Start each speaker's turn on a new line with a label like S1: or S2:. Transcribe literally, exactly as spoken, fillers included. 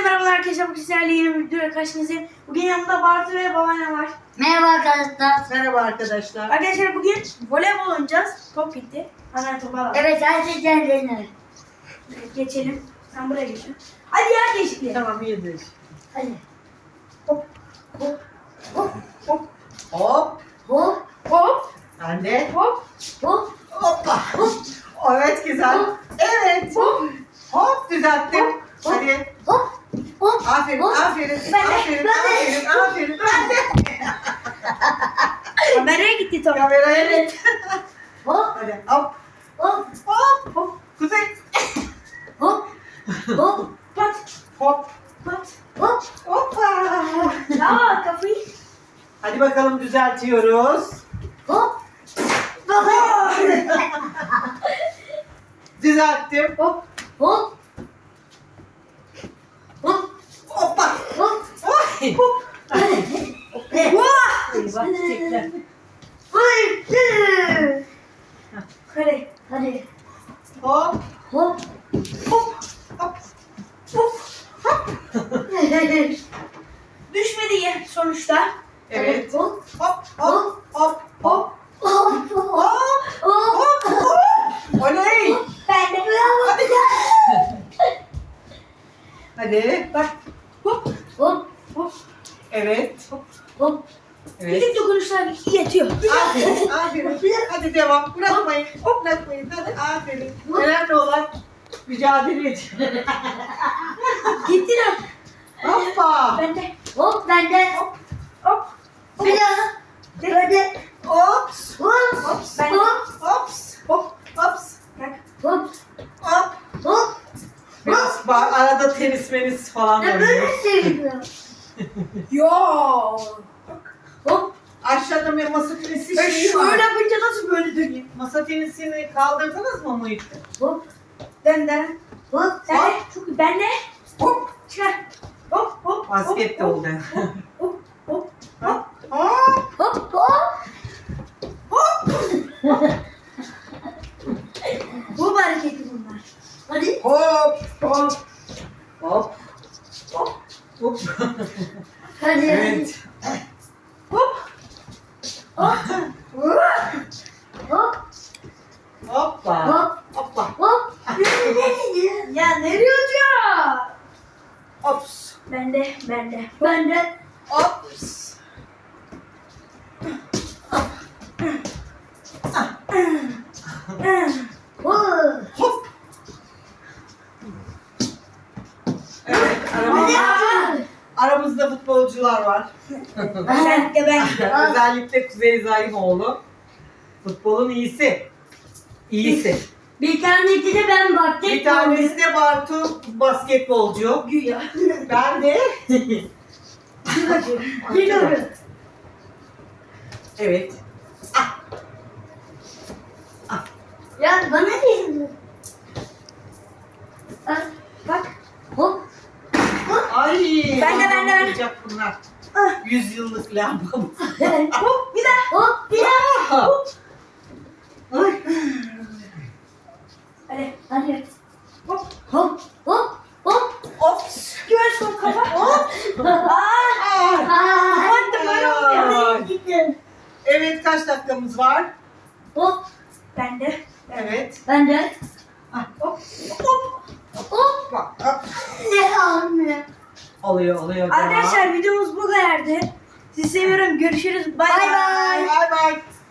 S1: merhaba arkadaşlar. Bugün sizlerle yeni bir videoyla karşınızdayım. Bugün yanımda Bartu ve babaannem var.
S2: Merhaba arkadaşlar.
S3: Merhaba arkadaşlar.
S1: Arkadaşlar bugün voleybol oynayacağız. Top gitti. Hemen topu alalım.
S2: Evet, her şey kendine.
S1: Evet, geçelim. Sen buraya geç. Hadi ya değişikliği.
S3: Tamam iyidir.
S2: Hadi.
S1: Hop hop hop hop
S3: Hop.
S2: Hop,
S1: hop
S3: Ben de.
S1: hop
S2: hop,
S3: Hoppa. Evet güzel.
S2: Hop.
S3: Evet.
S1: hop.
S3: Hop düzelttim.
S2: Hop.
S3: Hadi.
S2: hop, hop.
S3: Aferin,
S2: Hop.
S3: aferin,
S2: Ben de,
S3: aferin,
S2: ben de.
S3: aferin, aferin. Ben de.
S1: Kameraya gitti top.
S3: Kamera evet.
S2: Hop,
S3: Hadi hop,
S2: hop,
S3: hop, hop. Kuzey.
S2: hop, hop,
S1: Pat
S3: Hop.
S1: pat.
S2: hop.
S3: Hoppa.
S1: Ya kafayı.
S3: Hadi bakalım düzeltiyoruz.
S2: Hop.
S3: Düzelttim.
S1: Hop
S2: Hop. Hop.
S3: Hoppa.
S2: Hop.
S3: Oy.
S1: Vah!
S3: Eyvah çiçekler.
S1: Hadi.
S2: Hadi.
S3: Hop.
S2: Hop.
S3: Hop. Hop.
S1: Hop. Düşmedi ya sonuçta.
S3: Evet.
S2: Hop.
S3: Hop hop hop hop.
S2: Hop. Hop.
S3: Hop.
S2: Hop.
S3: Hop hop. Oley.
S1: Ben de.
S3: Hadi. Hadi.
S1: Bak. Hop
S2: Hop.
S1: hop.
S3: Evet.
S2: Hop.
S3: Evet.
S1: Küçük dokunuşlar yetiyor.
S3: Aferin. Aferin. Hadi devam. Bırakmayın. Hop bırakmayın. Hadi aferin. Önemli olan mücadele ediyor.
S1: Gitti lan.
S3: Hoppa.
S1: Ben de.
S2: Hop. Ben de.
S1: Hop. Hop.
S2: Bir daha. Hadi.
S3: Hops.
S2: Hop.
S3: Hops.
S1: Ben de.
S2: Hop.
S3: Hops.
S1: Hop.
S3: Hops.
S1: Bak.
S2: Hop.
S3: Hop.
S2: Hop.
S3: Biraz ba- arada tenis menis falan
S2: Ne
S3: oluyor.
S2: böyle seviyorum.
S1: Yo.
S2: Hop.
S3: Aşağıda bir masa tenisi
S1: Ben
S3: şeyi
S1: şöyle
S3: var.
S1: yapınca nasıl böyle döneyim?
S3: Masa tenisini kaldırdınız mı Muhit?
S2: Hop.
S1: Ben de.
S2: Hop.
S1: Ben de. Çok iyi. Ben de.
S3: Hop.
S1: Çıkar. Hop hop.
S3: Basket de
S1: hop,
S3: oldu.
S1: Hop hop.
S3: Hop. Hop.
S2: Hop. Hop.
S1: Bu hareketi bunlar.
S2: Hadi.
S3: Hop. Hop. Hop. Hop. Hop.
S2: Hadi.
S3: Evet.
S1: Hop.
S2: Hop. Hop.
S3: Hoppa.
S2: Hop.
S3: Hoppa.
S2: Hop.
S1: Ya nereye uçuyor?
S3: Hops.
S1: Ben de. Ben de.
S2: Ben de.
S3: Hops.
S2: Hop.
S3: Hop. Evet. Aramızda, aramızda futbolcular var.
S1: Ben de ben.
S3: Özellikle Kuzey Zayimoğlu. Futbolun iyisi. İyisi.
S2: Bir tanesi de ben baktım.
S3: Bir tanesi de Bartu basketbolcu.
S1: Güya.
S3: Ben de
S2: Biliyorum.
S3: evet.
S2: Ya bana değil.
S1: Bak.
S2: Hop.
S3: Ay.
S1: Ben de, ben de, ben de.
S3: olacak bunlar.
S1: Ah.
S3: Yüz yıllık lambam.
S1: Hop bir daha.
S2: Hop. Bir daha.
S3: Hop. Ay.
S1: Hadi.
S2: Hadi.
S1: Hop.
S2: Hop. Hop. Hop.
S3: Ops.
S1: Göğüs sol kafa. Hop. Aa.
S3: Ay.
S2: Aa.
S1: Hadi böyle oluyor.
S3: Ay.
S2: Gittim.
S3: Evet kaç dakikamız var?
S2: Hop.
S1: Ben de.
S3: Evet.
S2: Ben de.
S1: Hop. Hop.
S2: Hop.
S3: Bak. Hop.
S2: Ne anne?
S3: Oluyor oluyor.
S1: Arkadaşlar videomuz bu kadardı. Sizi seviyorum. Görüşürüz. Bay
S2: Bay
S1: bay.
S2: bay.
S3: Bay bay.